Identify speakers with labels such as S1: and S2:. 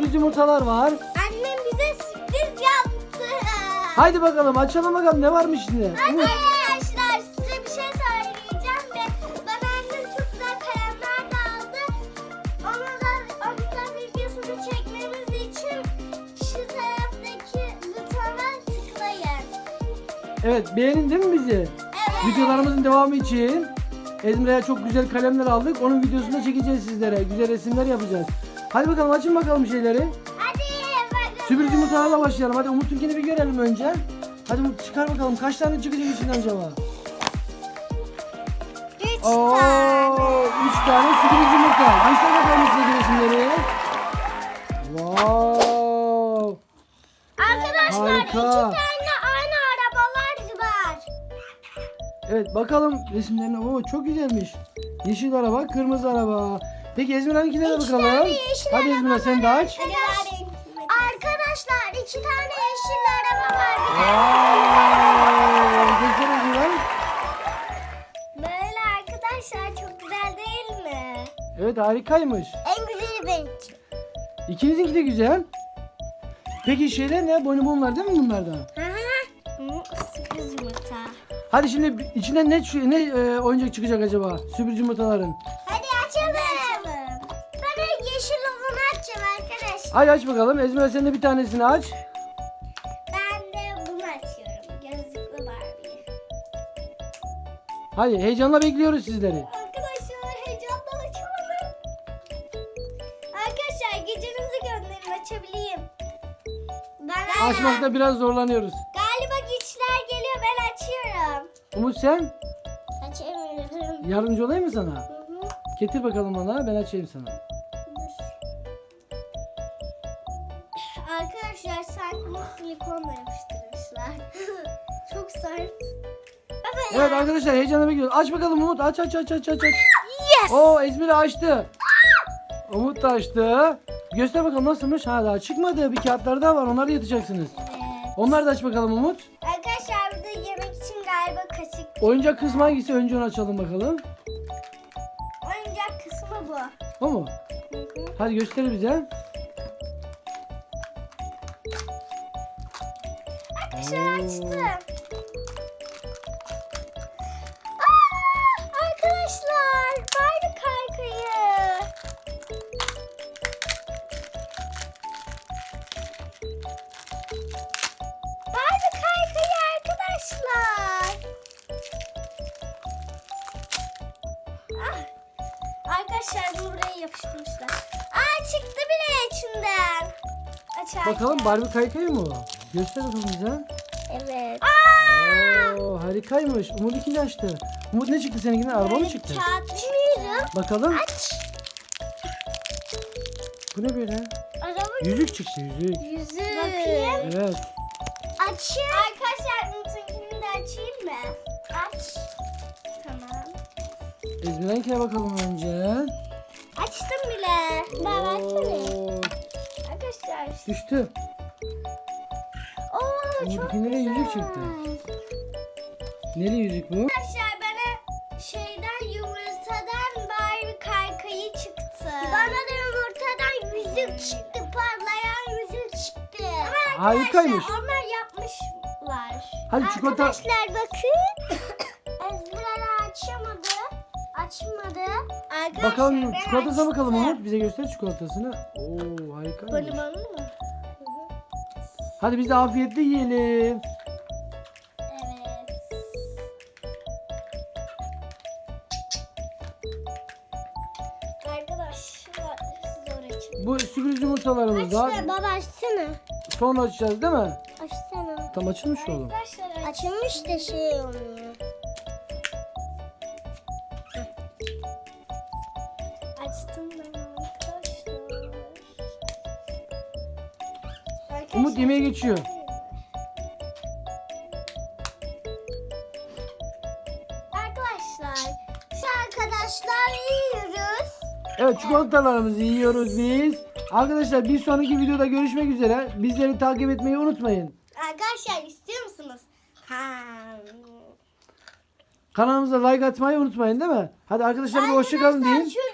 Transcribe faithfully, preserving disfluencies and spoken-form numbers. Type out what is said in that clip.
S1: sürpriz yumurtalar var.
S2: Annem bize sürpriz yaptı.
S1: Haydi bakalım açalım bakalım ne varmış içinde.
S2: Hadi
S1: Umut.
S2: arkadaşlar size bir şey söyleyeceğim ve bana annem çok güzel kalemler de aldı. Onu da, onu da videosunu çekmemiz için şu taraftaki butona tıklayın.
S1: Evet, beğenin değil mi bizi?
S2: Evet.
S1: Videolarımızın devamı için Ezmira'ya çok güzel kalemler aldık. Onun videosunu da çekeceğiz sizlere. Güzel resimler yapacağız. Hadi bakalım açın bakalım şeyleri.
S2: Hadi bakalım.
S1: Sürpriz yumurtalarla başlayalım. Hadi Umut'unkini bir görelim önce. Hadi Umut çıkar bakalım. Kaç tane çıkacak içinden acaba?
S2: Üç
S1: Oo,
S2: tane.
S1: üç tane sürpriz yumurta. Göster bakalım size resimleri. Wow.
S2: Arkadaşlar
S1: Harika.
S2: iki tane aynı arabalar var.
S1: Evet bakalım resimlerine. Oo, çok güzelmiş. Yeşil araba, kırmızı araba. Peki Ezmira'nınkine de
S2: İki
S1: bakalım.
S2: tane yeşil
S1: Hadi
S2: araba
S1: Ezmira sen de
S2: var.
S1: aç.
S2: Arkadaşlar iki tane yeşil araba var.
S1: Wow. Göster Ezmira.
S2: Böyle arkadaşlar çok güzel değil mi?
S1: Evet harikaymış.
S2: En güzeli benimki.
S1: İkinizinki de güzel. Peki şeyler ne? Bonibonlar değil mi bunlardan?
S2: Hı hı. Sürpriz yumurta.
S1: Hadi şimdi içinden ne ne e, oyuncak çıkacak acaba? Sürpriz yumurtaların.
S2: Hadi açalım. Ben yeşil olanı açacağım arkadaşlar.
S1: Hadi aç bakalım. Ezmira sen de bir tanesini aç.
S2: Ben de bunu açıyorum. Gözlüklü Barbie.
S1: Hadi heyecanla bekliyoruz sizleri.
S2: Arkadaşlar heyecandan açamadım. Arkadaşlar gecenizi gönderin açabileyim. Ben
S1: Açmakta biraz zorlanıyoruz.
S2: Galiba güçler geliyor ben açıyorum.
S1: Umut sen
S2: Açamıyorum.
S1: yardımcı olayım mı sana?
S2: Hı hı.
S1: Getir bakalım bana, ben açayım sana.
S2: Dur. Arkadaşlar sanki bu silikonla yapıştırmışlar. Çok sert. Baba ya.
S1: Evet arkadaşlar heyecanla bekliyoruz. Aç bakalım Umut, aç aç aç aç aç. aç.
S2: Yes.
S1: Oo Ezmira açtı. Umut da açtı. Göster bakalım nasılmış. Ha daha çıkmadı. Bir kağıtlar daha var. Onları yatacaksınız.
S2: Evet.
S1: Onları da aç bakalım Umut.
S2: Arkadaşlar burada yemek için galiba kaşık.
S1: Oyuncak kısmı hangisi? Önce onu açalım bakalım.
S2: Oyuncak kısmı bu.
S1: O mu?
S2: Hı hı.
S1: Hadi göster bize.
S2: Arkadaşlar
S1: Oo.
S2: açtım. Aa, arkadaşlar Barbie kaykayı. Barbie kaykayı arkadaşlar. Ah, arkadaşlar bunu buraya yapıştırmışlar. Aa çıktı bile içinden. Açarken.
S1: Bakalım Barbie kaykayı mı o? Göster bakalım bize.
S2: Evet.
S1: Oo harikaymış. Umut ikini açtı. Umut ne çıktı seninkinden? Araba mı çıktı?
S2: Kağıt çıktı.
S1: Bakalım.
S2: Aç.
S1: Bu ne böyle?
S2: Araba
S1: Yüzük çıktı yüzük.
S2: yüzü. Bakayım.
S1: Evet.
S2: Açayım. Arkadaşlar Umut'unkini de açayım mı? Aç. Tamam.
S1: Ezmira'nkine bakalım önce.
S2: Açtım bile. Ben açtım.
S1: Oo,
S2: Arkadaşlar.
S1: düştü.
S2: Oo çok
S1: Umut'unkine de yüzük çıktı. Neli yüzük bu?
S2: Arkadaşlar bana şeyden yumurtadan Barbie kaykayı çıktı. Bana da yumurtadan yüzük çıktı. Parlayan yüzük çıktı. Ama
S1: Harikaymış.
S2: arkadaşlar onlar yapmışlar.
S1: Hadi çikolata-
S2: Arkadaşlar bakın. Ezgiler açamadı. Açmadı. Arkadaşlar
S1: Bakalım
S2: ben
S1: çikolatasına bakalım
S2: açtım.
S1: Umut. Bize göster çikolatasını. Oo harikaymış.
S2: Bonibonlu mu?
S1: Hadi biz de afiyetle yiyelim.
S2: Evet. Arkadaşlar zor açın.
S1: Bu sürpriz yumurtalarımız da.
S2: Açsana baba açsana.
S1: Sonra açacağız değil mi?
S2: Açsana.
S1: Tam açılmış oğlum.
S2: Arkadaşlar açılmış da şey olmuyor. Açtım ben arkadaşlar.
S1: Umut yemeğe geçiyor.
S2: Arkadaşlar şu arkadaşlar yiyoruz.
S1: Evet çikolatalarımızı yiyoruz biz. Arkadaşlar bir sonraki videoda görüşmek üzere. Bizleri takip etmeyi unutmayın.
S2: Arkadaşlar istiyor musunuz? Ha.
S1: Kanalımıza like atmayı unutmayın değil mi? Hadi arkadaşlar bir hoşça kalın deyin.
S2: Şu